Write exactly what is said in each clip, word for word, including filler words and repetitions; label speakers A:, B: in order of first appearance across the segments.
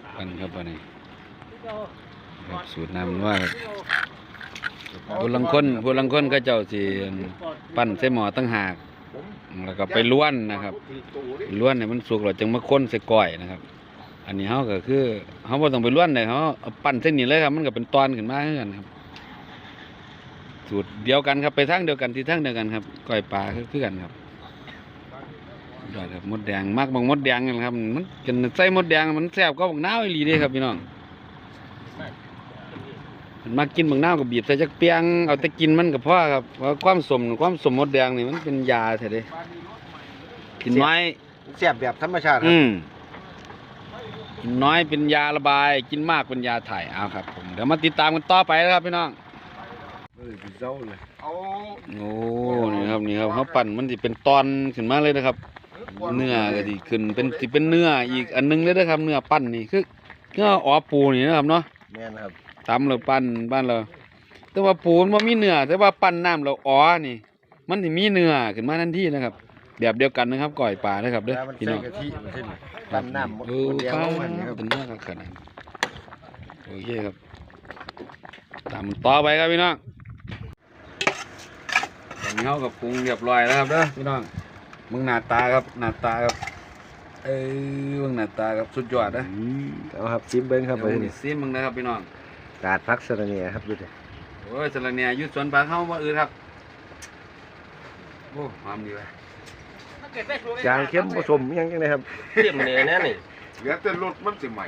A: กันครับวันนี้ครับสูตรน้ำว่าผู้ลังคนผู้ลังคนก็เจ้าสิปั้นใส่หม้อตั้งหากแล้วก็ไปล้วนนะครับล้วนเนี่ยมันสุกแล้วจึงมาค้นใส่ก้อยนะครับอันนี้เขาก็คือเขาบ่ต้องไปล้วนเลยเขาเอาปั้นเส้นนี้เลยครับมันก็เป็นตอนขึ้นมาเหมือนกันครับสูตรเดียวกันครับไปทางเดียวกันที่ทางเดียวกันครับก้อยปลาคือกันครับยอดครับมดแดงมากบางมดแดงนะครับมันกินใส่มดแดงมันแซ่บก็บางน้าวอีหลีเด้ครับพี่น้องมันมากินบางน้าวก็บีบใส่จักเปียงเอาแต่กินมันกับพ่อครับเพราะความสมความสมมดแดงนี่มันเป็นยาแท้เด้กินน้อย
B: แซ่บแบบธรรมชาติ
A: อืมกินน้อยเป็นยาระบายกินมากเป็นยาถ่ายเอาครับผมเดี๋ยวมาติดตามกันต่อไปนะครับพี่น้อง
B: เออเจ้าเลย
A: โอ้นี่ครับนี่ครับเขาปั่นมันจะเป็นตอนขึ้นมาเลยนะครับเนื้อก็ดีขึ้นเป็นสิเป็นเนื้ออีกอันนึงเลยนะครับเนื้อปั้นนี่คือเนื้ออ๋อปูนี่นะครับเนาะ
B: แม่นครับ
A: ตำเราปั้นบ้านเราแต่ว่าปูมันไม่มีเนื้อแต่ว่าปั้นน้ำเราอ๋อนี่มันถึงมีเนื้อขึ้นมาทันทีนะครับแบบเดียวกันนะครับก่อยปลานะครับเด้อพี่น้อง
B: ปั้นน้ำหมดเดียวมันครับ
A: เป็นเนื้อขนาดโอเคครับตามต่อไปครับพี่น้องตอนนี้เขากับปรุงเรียบร้อยแล้วครับเด้อพี่น้องมึงหน้าตาครับหน้าตาครับเอ้ยมึงหน้าตาครับสุดยอดนะ
B: เอาครับซิมเบิ้งครับ
A: เดี๋ยวซิมมึงนะครับพี่น้อง
B: กาดพักสระเนียครับดูดิ
A: โอ้ยสระเนียยุดสวนปลาเข้ามาอื่นครับโอ้หอมดีเลย
B: จางเข้มผสมยังยังไงครับ
C: เข้มเลยแน่นี่
D: เหลือแต่รสมันสิใหม่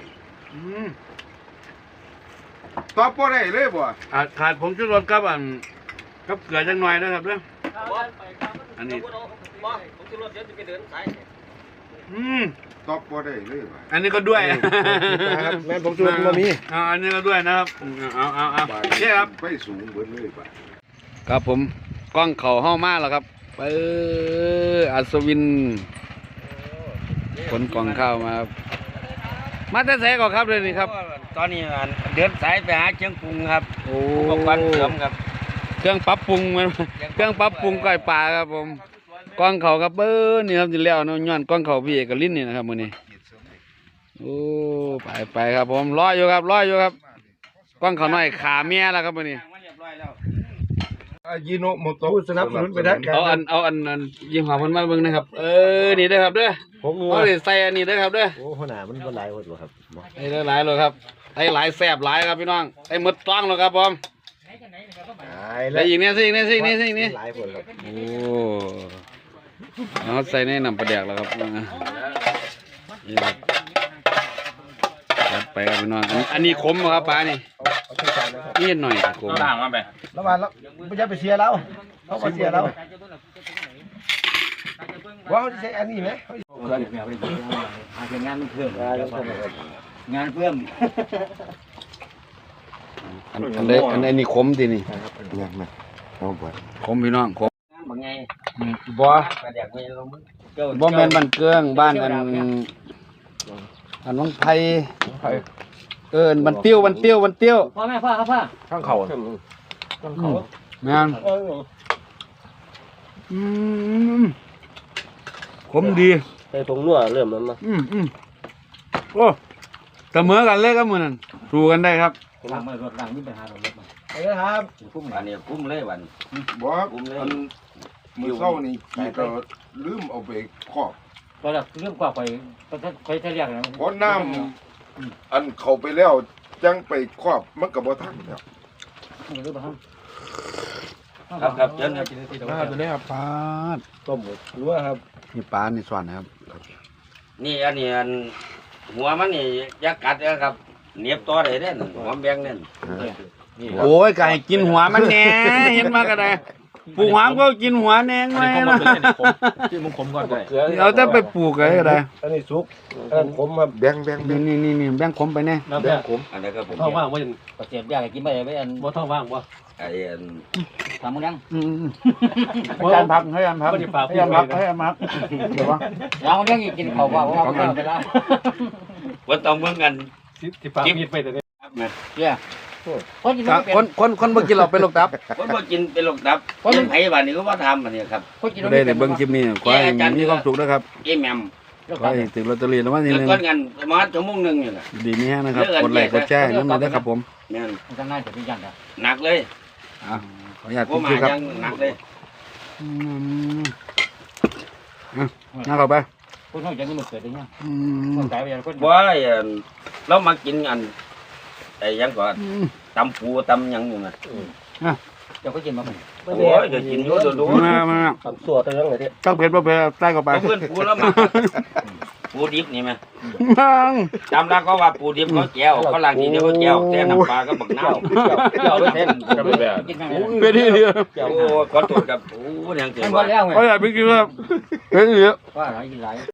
D: ตอบบ่ได้เลยบ่
A: ขาดผงชูรสกับอันกับเกลือจังหน่อยนะครับเด้ออันนี้
C: ผมจะรถเดี๋ยวจะไปเดินสาย
A: อืม
D: ตอบบ่ได้เลยบ่
A: อันนี้ก็ด้วย
B: ครับแม่ผมชูรสมามี
A: อ่าอันนี้ก็ด้วยนะครับเอาเอาเอาใช่ครับ
D: ไปสูงเบิดเลยบ่
A: ครับผมกล้องเข่าห้ามาแล้วครับไปอัศวินขนกล่องข้าวมาครับมาแต่แสก่อนครับเลยนี่ครับ
C: ตอนนี้เดินสายไปหาเครื่องปรุงครับ
A: โอ้
C: วันเสริมครับ
A: เครื่องปรับปรุงมันเครื่องปรับปรุงก้อยปลาครับผมกล้องเข่าครับเบอร์นี่ครับจิแล้วน้องย้อนกล้องเข่าพี่เอกลิ้นนี่นะครับมือนี้โอ้ไปไปครับผมรออยู่ครับรออยู่ครับกล้องเข่าน้อยขาเมียแล้วครับมือนี้
D: ยิโนโมโตะ
B: สนับสนุนไปได้
A: เอาอันเอาอันอันยิงหัวมันมาเบิ่งนะครับเออนี่ได้ครับเด้อ
B: ผม
A: เอาใส่อันนี้ได้ครับเด้อ
B: โอ้ขนาดมันก็หลายหมดเลยครับ
A: ไอ้หลายเลยครับไอ้หลายแซ่บหลายครับพี่น้องไอ้หมดต้องเลยครับผมไอ้อีกเนี่ยสิอีกเนี่ยสิอีกเนี่ยสิอีกเนี่ยโอ้เอาใส่ในน้ำปลาแดกแล้วครับนี่ครับไปครับพี่น้องอันนี้ขมครับปลานี่นี่หน่อยขม
C: ต่างมาไป
B: แล้วมาแล้วไม่ใช่ไปเชียร์เราเขาไปเชียร์เราว่าเขาจะใช้อันนี้ไหม
C: งานเพิ่มงานเพิ่ม
A: อันอันนี้อันนี้ขมทีนี่
B: เนี่ยนะเอาไป
A: ขมพี่น้องขม
C: บางไง
A: บ่บ่แม่นบ้านเกืองบ้านอันอันวังไผ่เออมันเตี้ยวมันเตี้ยวมันเตี้ยว
C: พ่อแม่พ่อครับพ่อ
B: ข้างเขา
A: ข้างเขาแม่นอืมขมดี
C: ใส่ผงนัวเริ่มมันมา
A: อืมอืมโอ้เสมอกันเลยครับมือนั่นสู้กันได้ครับ
C: ล้างมือรถล้างนี่ไปหารถรถมา
B: ไปเลยครับ
C: คุ้มอันนี้คุ้มเลยวัน
D: บ่คุ้มเลยมือเศร้านี่พี่ก็ลืมเอาไปครอบ
C: ก็แบบเรื่องกว่าไปไปใช้เรียกนะ
D: เพราะน้ำอันเข้าไปแล้วจังไปครอบมันก็บ่ทันแล้ว
C: ครับครับเชิญครับ
A: ปลาตัวนี้ครับปลา
B: ต้มหมดรู้ครับ
A: นี่ปลาในส่วนนะครับ
C: นี่อันนี้อันหัวมันนี่ยักกัดนะครับเนียบตัวเลยเนี่ยหัวแบงเนี่ย
A: โอ้ยไก่กินหัวมันแน่เห็นมากระไดปลูกหามก็กินหัวแนงไว้นะ
C: ที่มึงขมก่อน
A: เราจะไปปลูกอะไรก็ได้
B: อันนี้ซุกอันขมมาแบงแบง
A: นี่นี่นี่นี่แบงขมไปแน่
C: แบงขมอันนี้ก็ผมท้องว่างว่าจะเจ็บยากกินไปไม่อันว่าท้องว่างว่าไอ้อันทำมึงยัง
A: ให้ยันพักให้ยันพักให้ยันพักให้ยันพักเดี๋ยววะ
C: เราเรื่องกินเขาว่าว่าไปแล้ววันต้องเมื่อกันที่ปากมีดไปแต่เนี่ยเนี่ย
A: คนคนคนคนเบิ่งกินเราเป็นโรคตับ
C: คนเบิ่งกินเป็นโรคตับคนไผ่บ้านนี้ก็ว่าทำมันเนี่ยครับ
A: ได้ในเบิ่งคลิปนี้ขอให้มีความสุขนะครับ
C: เอ็มแอม
A: ขอให้ถึงลอตเตอรี่แล้ววันที่
C: เลิ
A: ห
C: ก
A: นึ่ง
C: ก้อนกันประมาณชั่วโมงหนึงนี่แหละ
A: ดีนี้นะครับกดไลค์กดแชร์นั่นเลยนะครับผม
C: แม่น
E: มันจะง่ายแต่พี่ยันอ่ะ
C: หนักเลย
A: อ่ะขออนุญาต
C: บ่
A: พิม
C: มา
A: พ์ครับ
C: ยังหนักเลย
A: อืมอ่ะนั่งเข้าไป
E: คุณเขาจะมีมือเกิดได้ยัง
A: อื
E: ค
A: ม
E: นตายไปยังคน
C: บ่ไอ้อันเรามากินอันไอ้หยังก่อน
A: อืม
C: ตำปูตำหยังอยู่น่ะ
E: เจ้าก็กินมาผม
C: โอ้ยก็กินอยู่ดู
A: มามา
B: ทำสัวตั้งไหนเนี่ย
A: ตั้งเพชรบ่เพชรใต้เข้าไป
C: ๆเพื่อนปูแล้วมาปูดิบนี่แม่
A: นั่ง
C: จำได้ก็ว่าปูดิบเขาแก้วเขาล้างทีเดียวเขาแก้วแต่น้ำปลาก็บักน้ำ
B: เกี่ยวไปเส้น
E: ก็ไม่แบบกินมา
A: เป็นที่เดียว
C: โอ้ขอโทษครับโอ้ยังเกิ
E: มั
C: ด
E: นบ่
C: ว่า
E: แล้วไง
A: ขออนุญาตพิมพ์ครับเป็นที่เดียว
E: ว่าอะไรกินไร